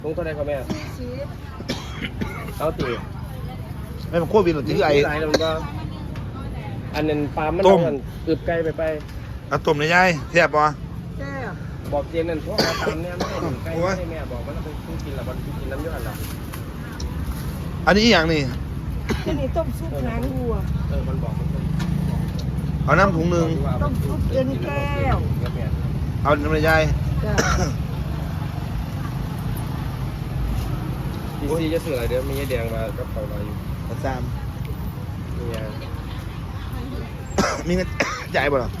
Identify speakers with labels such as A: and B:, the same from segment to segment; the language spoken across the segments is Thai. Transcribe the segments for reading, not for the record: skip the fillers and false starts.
A: ลุงเท่าไรครับแม่เอาตี
B: ไม่มันโควิดหรือที่ไอ้
A: หลายแล้วมันก็อันนั้นปลามันอึบไกลไป
B: เอาต้มในยายแซ่บปะ
C: แซ่บ
A: บอกเจนนั่นพวกเราตามเนี่ยไม่ได้ถึงไกลไม่ได้แม่บอกมันต้องกินละมันกินน้ำยอดละ
B: อันนี้อีกอย่างนี่
C: อันนี้ต้มซุปหางวัว
A: มันบอกมัน
B: เอาน้ำถุงหนึ่ง
C: ต้มซุปเอ็นแก้ว
B: เอาน้ำในยาย
C: จ้ะ
A: ดีซีจะสื่ออะไรเดี๋ยวมีแดงมากับเขาเราอยู่
B: ประจ
A: เนี่ย
B: ำมีเงิน จ่ายบ่หรอ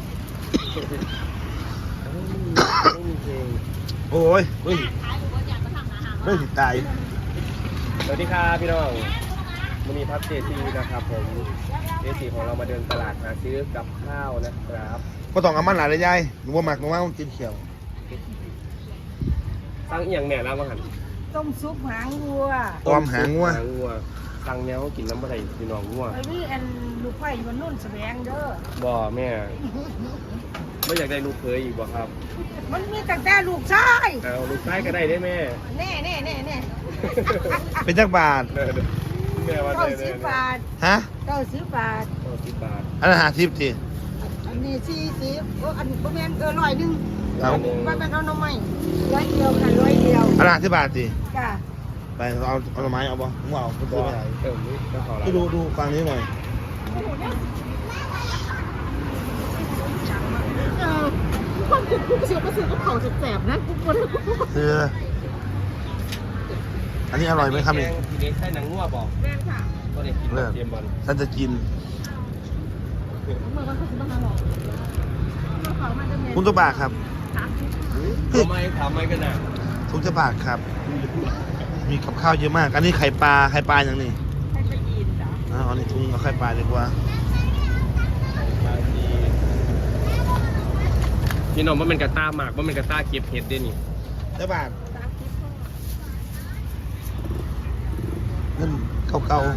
A: ไม่มีเพลง
B: โอ้ยเฮ้ยติดตาย
A: สวัสดีครับพี่น้องวันนี้พับเจซีนะครับผมเจซีของเรามาเดินตลาดหาซื้อกับข้าวนะครับ
B: ก็ต้องเอามันหลายเลยยายหนูว่าหมักหนูว่ามันกินเขียว
A: ตั้งเอียงแม่แล้วมั้งหัน
C: ต้มซุปหางวัว
B: ความหางงัว
A: ตั้งแนวกินน้ำอะไรพี่น้องงัว
C: ไอ้นี่อันลูกไผ่มันนุ่นแสวงเด้อ
A: บ่แม่ไม่อยากได้ลูกเคยอีกบ่ครับ
C: มันมีตั้งแต่ลูกชาย
A: เอาลูกชายก็ได้ได้แม่
C: แน่แน่แน่แน่
B: เป็นจักบาท
A: แม่ว่า
C: เก้า
A: ได้
C: สิบบาท
B: ฮะ
C: 90 บาท
A: 10 บาท
B: อันนั้น50ที
C: อันนี้40โอ้อันบ่แม่น100นึง
B: เอา
C: บ่แม่นเอาหน่อไม้100เดียวค่ะ100เดียว
B: อันนั้น50 บาทที
C: จ้ะ
B: ไปเอาหน่อไม้เอาบ่มึงเอาไปซื้อไปไหน
A: นี่ก็ขอละ
B: ที่ดูฟังนี้หน่อย
C: ความคิดกูเสียมาซื้อกับเขาแสบๆนะกูปวด
B: ซื้ออันนี้อร่อยไหมครับนี่
A: ทีนี้ใช่หนังงัวบอก
C: แม่ค่ะ
A: ก็ได้กินเตรียมบอล
B: ฉันจะกิน
C: เมื่อวันเขาสิมาหาหรอกมาขอมาจะเมน
B: คุณตัวบาทครับ
A: ทำไมกันน่ะ
B: ทุกจะบาทครับ มีกับข้าวเยอะมาก อันนี้ไข่ปลาอย่างนี้
C: ให้ไปกินจ้ะ
B: เอาอันนี้ถุงเอาไข่ปลาดีกว่า
A: พี่น้องว่ามันกระต้าหมากว่ามันกระต้าเก็บเห็ดด้วยนี่
B: เจ้าบาท
C: ตามคลิปพ่อ
B: เงินเก่าๆ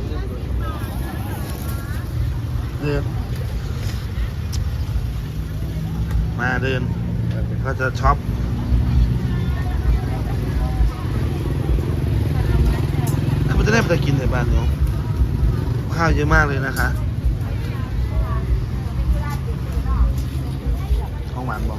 B: เดินมาเดินก็จะช็อปแล้วมันจะได้ไปกินในบ้านเนาะข้าวเยอะมากเลยนะคะท้องหวานบอก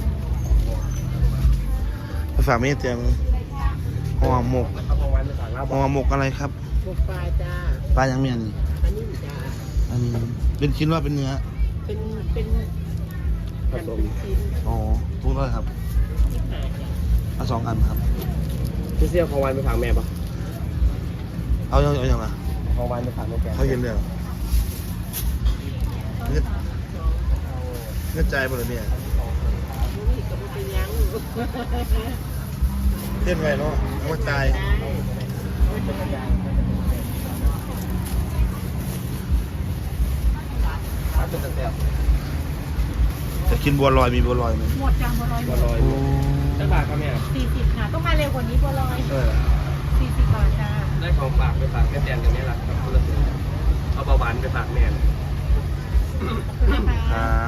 B: ไปฝากแม่เตียงห่อหมก
A: เอาของวันไปฝากเราบ
B: ห่
A: อ
B: อก หมกอะไรครับ
C: พวกปลาจ้า
B: ปลายังเมียน
C: อันนี้จ้า
B: อันนี้เป็นชิ้นว่าเป็นเนื้อ
C: เป็น
A: ผสม
C: ชิ้น
B: อ๋อทุกเลยครับ
C: ที่หาจ้ะ
B: เอา2 อันครับ
A: พี่เสี่ยวของวันไปฝากแม่ปะ
B: เอาอย่างละ
A: ของวันไปฝากแม่แก
B: เขาเย็นเลยเหรอเงื่อนใจหมดเลยเนี่ย
C: บุ้ยกับบุ้ยยัง
B: เต้นไว้เนาะเอามาจ่ายจะกินบัวลอยมีบัวลอยไหม
C: หมดจ้าบัวลอย
A: บัวลอยได้บาทครับแม่
C: 40ค่ะต้องมาเร็วกว่านี้บัวลอย 40 บาทจ้า
A: ได้ของฝากไปฝากแม่แดนกันนี่แหละครับคนละตัวเอาเบาหวานไปฝากแม่
B: ครับ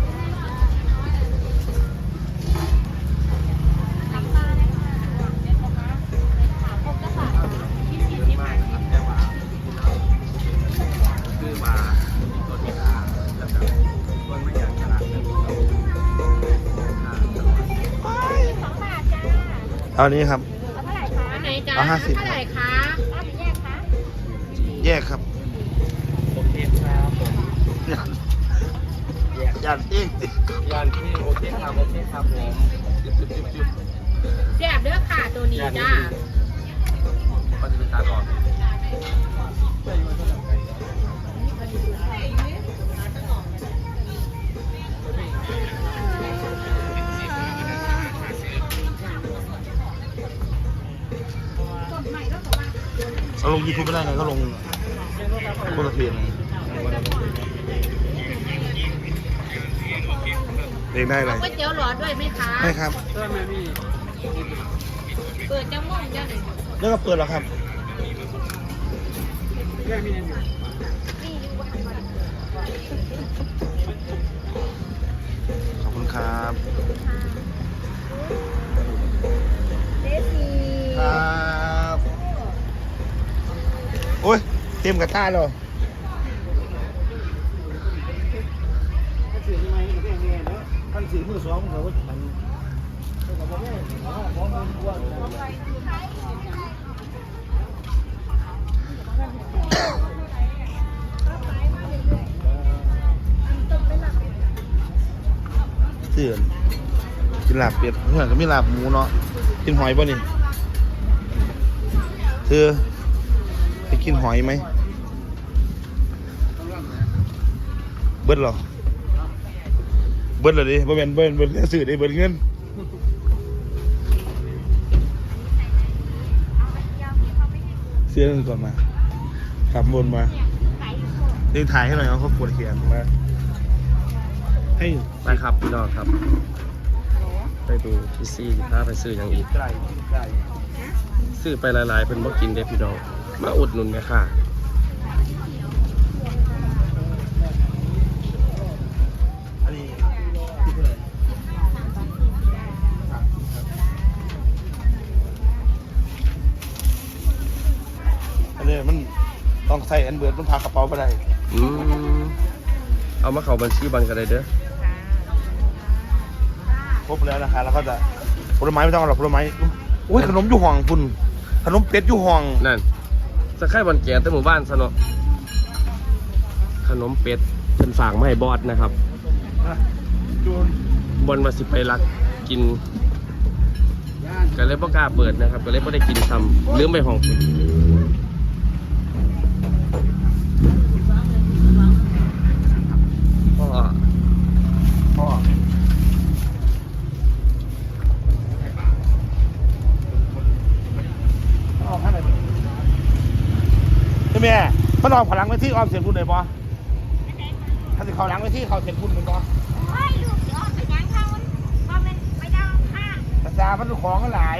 A: คือมาตัวที่ขาแล้วก็คนไม่อยากตลาดเลย
B: เอาอันนี้ครับ
C: อันไหนจ้า
B: เอา50
C: เท่าไหร่คะรับแยกคะ
B: แยกครับ
A: ผมเทศครับผม
B: ยันเองติ
A: ยานที่โอเคครับผมจุ๊บ
C: แซ่บเด้อค่ะตัวนี้จ้า
A: มันจะเป็นตาก่อน
B: เอาลงยูทูบไม่ได้ไงก็ลงคนละเพลงเพลงได้อะไร
C: ก๋วยเตี๋ยวหลอดด้วยไหมคะ
B: ได้ครับ
C: เปิดจังม่วงจ้าหนึ่ง
B: แล้วก็เปิดแล้วครับ ขอบคุณครับ
C: เดซี่
B: ครับโอ้ยเต็มกระทะแล้ว
D: ถ้าสื่อยังไงก็แค่นี้นะท่านสื่อมือสองเขาก็มันเขาบอกว่าของมันกว้าง
B: เสื่อนกินลาบเป็ดเพื่อนก็มีลาบหมูเนาะกินหอยป่ะนี่เธอไปกินหอยไหมเบิ้ลเหรอเบิ้ลเหรอดิบ่แม่นเบิ้ลสื่อได้เบิ้ลเงินเสื้อนั่นก่อนมาขับบนมาดึงถ่ายให้หน่อยเขาปวดเขียนมาให้
A: ไปครับพี่น้องครับ ไปดูพี่ซี่ถ้าไปซื้ออย่างอีก
B: ไก่ไก่
A: ซื้อไปหลายๆเป็นบ่กินเด้พี่น้องมาอุดหนุนแม่ค่ะ
B: อันนี้ที่เท่าไหร่อันนี้มันต้องใส่อันเบิร์ดมันพากระเป๋าไปได้
A: อืมเอามาเข้าบัญชีบันกันเลยเด้อ
B: ครบแล้วนะคะแล้วก็จะผลไม้ไม่ต้องเอาหรอกผลไม้โอ้ยขนมอยู่ห้องคุณขนมเป็ดอยู่ห้อง
A: นั่นจะค่ายวันแก่แต่หมู่บ้านซะเนาะขนมเป็ดเป็นฝากมาให้บอสนะครับ
B: จูน
A: บอลมาสิไปรักกินก็เลยบ่กล้าเปิดนะครับก็เลยบ่ได้กินซ้ำลืมไปห้องพ่อ
B: พ่อออกข้างไหนใช่ไหมมันออกพลังไว้ที่ออมเสียงคุณเลยปะถ้าจะเขาหลังไว้ที่เขาเสียงคุณเป็นปะ
C: โอ้ยลูกเดี๋ยวไปย่างเขาพอมันไปดาวข้าง
B: แต่จ่ามันของก็หลาย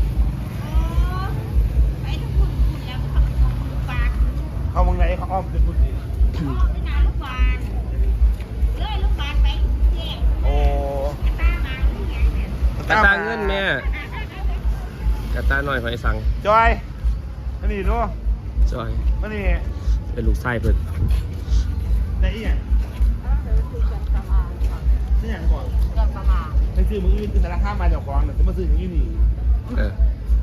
C: ไปทุกคนคุณแล้วเขาลูกบาท
B: เขามองไหนเขาอ้อมเสียงคุณสิ
C: ไปหาลูกบาทเลยลูกบาทไปเที่ยง
B: โอ้
C: ตามาที่ไหนเนี่ย
A: กระตาเงินแม่กระตาหน่อยหอยสัง
B: จอยอันนี้ดู
A: จอย
B: อันนี้
A: เป็นลูกไส้เพิ่น
B: ในอีกนี่อย่างก่อน
C: เกินประมาณ
B: ในซื้อมืออื่นคือสารข้ามมาจากของแต่มาซื้ออย่างนี้นี่
A: เออ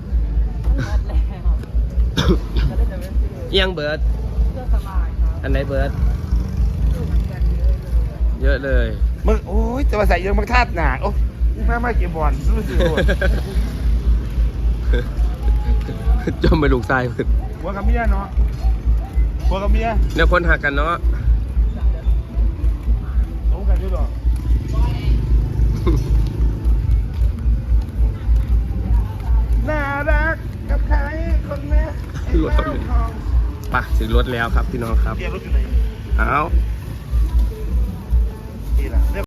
A: เอียงเบิร์ด
C: เกินประมาณครับ
A: อันไหนเบิร์ดเยอะเลย
B: มึงโอ้ยจะมาใส่ยังมังทาดหนาโอ้ไม่เก็บบอลซื้อซื้อ
A: จมไปลูกไส้เพิ่น
B: หัวกับเมียเนาะหัวกับเมีย
A: เนี่ยคนหักกันเนาะ
B: โอ้กันด้วยหรอน่ารักกับใครคนนี้
A: รถไปถึงรถแล้วครับพี่น้องครับ
B: เกียร์รถอยู่ไหน
A: เอา
B: นี่แหละ